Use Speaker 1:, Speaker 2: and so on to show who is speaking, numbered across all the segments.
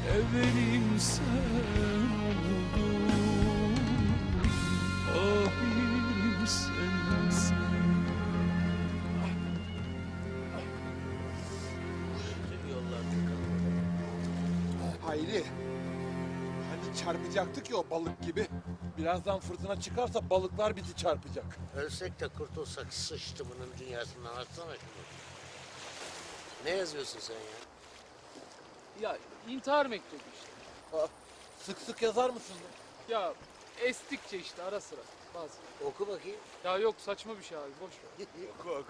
Speaker 1: Evvelim sen oldun, ahirim sensin.
Speaker 2: Hayri. Hani çarpacaktık ya o balık gibi. Birazdan fırtına çıkarsa balıklar bizi çarpacak.
Speaker 3: Ölsek de kurtulsak sıçtı bunun dünyasından. Açsana şunu. Ne yazıyorsun sen ya?
Speaker 4: Ya intihar mektubu işte.
Speaker 2: Aa, sık sık yazar mısın?
Speaker 4: Ya estikçe işte ara sıra bazen.
Speaker 3: Oku bakayım.
Speaker 4: Ya yok saçma bir şey abi boş ver.
Speaker 2: Oku oku.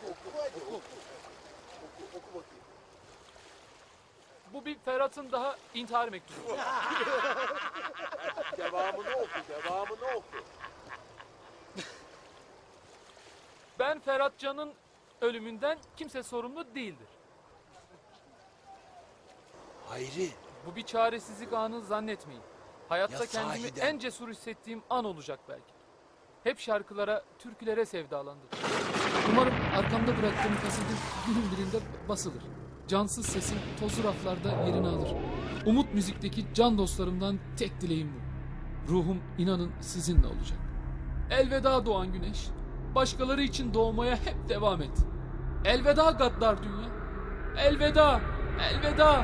Speaker 2: Oku bakayım.
Speaker 4: Bu bir Ferhat'ın daha intihar mektubu.
Speaker 2: Devamını oku.
Speaker 4: Ben Ferhat Can'ın ölümünden kimse sorumlu değildir.
Speaker 2: Hayri.
Speaker 4: Bu bir çaresizlik anı zannetmeyin. Hayatta
Speaker 2: Ya
Speaker 4: kendimi
Speaker 2: sahiden?
Speaker 4: en cesur hissettiğim an olacak belki. Hep şarkılara, türkülere sevdalandım. Umarım arkamda bıraktığım kasetin günün birinde basılır. Cansız sesim tozlu raflarda yerini alır. Umut Müzik'teki can dostlarımdan tek dileğim bu. Ruhum inanın sizinle olacak. Elveda doğan güneş. Başkaları için doğmaya hep devam et. Elveda gaddar dünya. Elveda, elveda.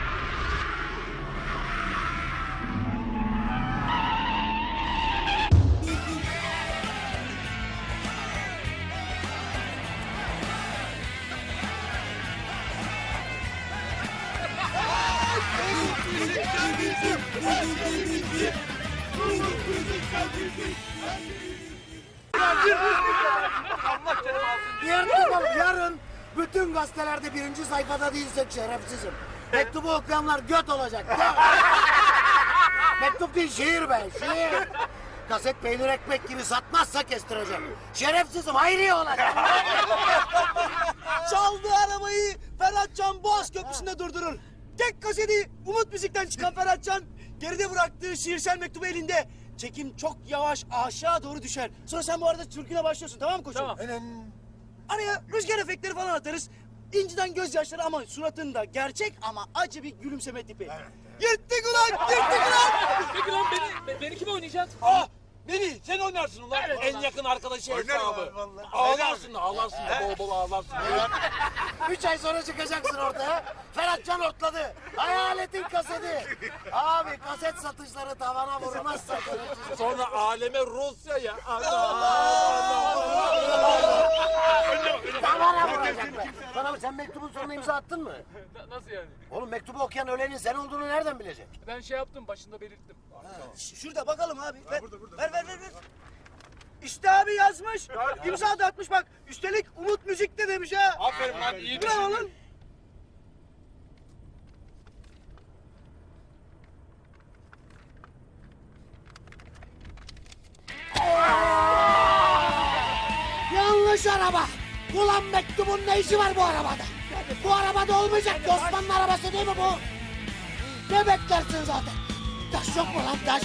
Speaker 5: Yarın bütün gazetelerde birinci sayfada değilsek şerefsizim. Mektubu okuyanlar göt olacak. Mektup değil şiir be şiir. Kaset peynir ekmek gibi satmazsa kestireceğim. Şerefsizim hayri olacak.
Speaker 6: Çaldığı arabayı Ferhatcan Boğaz Köprüsü'nde durdurur. Tek kaseti Umut Müzik'ten çıkan Ferhatcan geride bıraktığı şiirsel mektubu elinde. Çekim çok yavaş aşağı doğru düşer. Sonra sen bu arada türküne başlıyorsun tamam mı koçum?
Speaker 4: Tamam.
Speaker 6: Araya rüzgar efektleri falan atarız. İnciden gözyaşları ama suratında gerçek ama acı bir gülümseme tipi. Yırttık ulan! Yırttık ulan!
Speaker 4: Peki lan beni kim oynayacak?
Speaker 2: Ah! Beni sen oynarsın ulan. En yakın arkadaşı hesabı. Ağlarsın da bol bol ağlarsın.
Speaker 5: 3 ay sonra çıkacaksın ortaya. Ferhatcan ortladı. Hayaletin kaseti. Abi kaset satışları tavana vurmazsa şerefsizim.
Speaker 2: Sonra aleme Rusya ya.
Speaker 5: Tavana vuracak be. Sana sen mektubun sonuna imza attın mı?
Speaker 4: Nasıl yani?
Speaker 5: Oğlum mektubu okuyan ölenin sen olduğunu nereden bilecek?
Speaker 4: Ben şey yaptım başında belirttim.
Speaker 6: Şurada bakalım abi. Ver, ver. İşte abi yazmış. İmza da atmış bak. Üstelik Umut Müzik'te demiş ha.
Speaker 2: Aferin lan iyi
Speaker 6: Bravo lan.
Speaker 5: Yanlış araba. Ulan mektubun ne işi var bu arabada? Bu arabada olmayacak ki Osmanlı arabası değil mi bu? Ne beklersin zaten? Taş yok mu lan taş?